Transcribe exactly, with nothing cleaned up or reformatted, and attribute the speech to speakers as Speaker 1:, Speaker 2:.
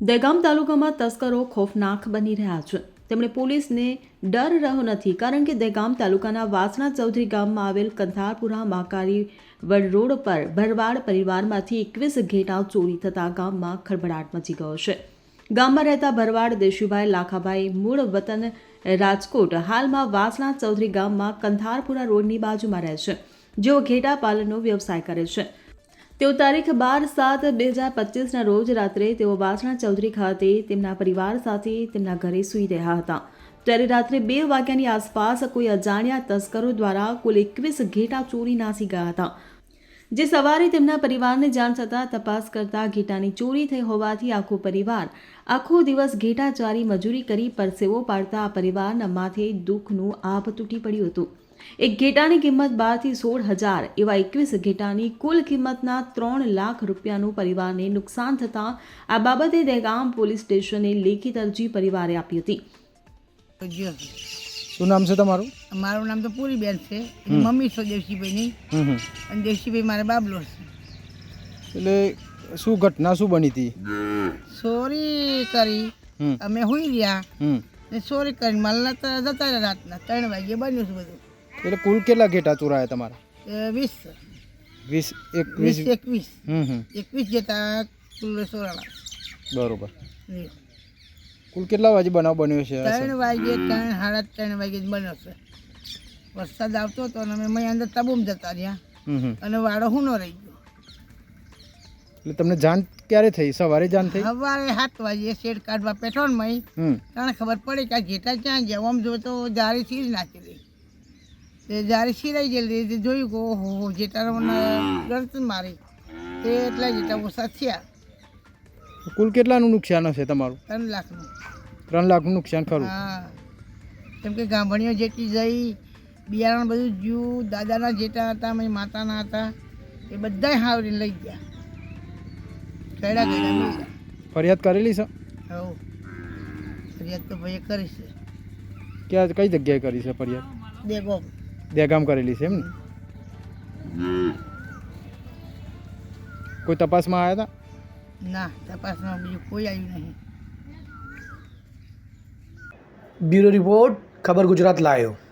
Speaker 1: દહેગામ તાલુકામાં તસ્કરો ખોફનાક બની રહ્યા છે। તેમણે પોલીસને ડર રહ્યો નથી, કારણ કે દહેગામ તાલુકાના વાસણા ચૌધરી ગામમાં આવેલ કંથારપુરા મહાકાળી વડ રોડ પર ભરવાડ પરિવારમાંથી એકવીસ ઘેટા ચોરી થતાં ગામમાં ખળભળાટ મચી ગયો છે। ગામમાં રહેતા ભરવાડ દેશુભાઈ લાખાભાઈ મૂળ વતન રાજકોટ હાલમાં વાસણા ચૌધરી ગામમાં કંથારપુરા રોડની બાજુમાં રહે છે, જેઓ ઘેટા પાલનનો વ્યવસાય કરે છે। તેઓ તારીખ બાર સાત બે હજાર પચીસના રોજ રાત્રે તેઓ વાસણા ચૌધરી ખાતે તેમના પરિવાર સાથે તેમના ઘરે સૂઈ રહ્યા હતા, ત્યારે રાત્રે બે વાગ્યાની આસપાસ કોઈ અજાણ્યા તસ્કરો દ્વારા કુલ એકવીસ ઘેટા ચોરી નાસી ગયા હતા, જે સવારે તેમના પરિવારને જાણ થતાં તપાસ કરતા ઘેટાની ચોરી થઈ હોવાથી આખો પરિવાર આખો દિવસ ઘેટા ચારી મજૂરી કરી પરસેવો પાડતા આ પરિવારના માથે દુઃખનું આભ તૂટી પડ્યું હતું। એક ઘેટાની કિંમત બારથી સોળ હજાર એવા એકવીસ ઘેટાની કુલ કિંમતના ત્રણ લાખ રૂપિયાનું પરિવારને નુકસાન થતાં આ બાબતે દહેગામ પોલીસ સ્ટેશને લેખિત અરજી પરિવારે આપી હતી।
Speaker 2: શું નામ છે તમારું?
Speaker 3: મારું નામ તો પૂરીબેન છે, મમ્મી છો દેવશીભાઈની, અને દેવશીભાઈ મારા બાબલો છે।
Speaker 2: એટલે શું ઘટના શું બની હતી?
Speaker 3: ચોરી કરી, અમે હુઈ રહ્યા ને ચોરી કરીને માલના તો જતા રહ્યા રાતના ત્રણ વાગે બન્યું છે બધું।
Speaker 2: એટલે કુલ કેટલા ઘેટા ચોરાયા તમારા?
Speaker 3: વીસ
Speaker 2: વીસ
Speaker 3: વીસ
Speaker 2: એકવીસ
Speaker 3: એકવીસ
Speaker 2: હમ હમ
Speaker 3: એકવીસ જેતા કુલ ચોરાણા।
Speaker 2: બરોબર। કુલ કેટલા વાગે બનાવ બન્યો છે?
Speaker 3: ત્રણ વાગે ત્રણ સાડા ત્રણ વાગે જ બન્યો છે। વરસાદ આવતો હતો અને અમે મેં અંદર તબુમ જતા રહ્યા
Speaker 2: હમ હમ
Speaker 3: અને વાડો હુનો રહી ગયો।
Speaker 2: એટલે તમને જાણ ક્યારે થઈ? સવારે જાણ થઈ?
Speaker 3: સવારે સાત વાગે શેડ કાઢવા પેટ્રોલમાં
Speaker 2: હમ
Speaker 3: તને ખબર પડી કે આ ઘેટા ક્યાં ગયા। આમ જો તો જારી સીર નાખેલી, તે જારી સિરાઈ ગયેલી, તે જોયું કે ઓહો હો જેટાને ગરત મારી, તે એટલા જેટા ઓછા થયા।
Speaker 2: કુલ કેટલાનું નુકસાન હશે તમારું?
Speaker 3: ત્રણ લાખનું।
Speaker 2: ત્રણ લાખનું નુકસાન ખરું?
Speaker 3: હા, કેમ કે ગામડીઓ જેટલી જઈ, બિયારણ બધું જ્યું, દાદાના જેટા હતા, મારી માતાના હતા, એ બધાય હાવરી લઈ ગયા, કયડા કયડા લઈ ગયા।
Speaker 2: ફરિયાદ કરેલી છે?
Speaker 3: હવ ફરિયાદ તો ભાઈએ કરી છે।
Speaker 2: ક્યાં કઈ જગ્યાએ કરી છે ફરિયાદ?
Speaker 3: દેગો
Speaker 2: દહેગામ કરેલી છે એમ ને? કોઈ તપાસમાં આવ્યા હતા?
Speaker 3: ના, તપાસમાં બીજું કોઈ આવ્યું નહીં।
Speaker 4: બ્યુરો રિપોર્ટ, ખબર ગુજરાત લાયો।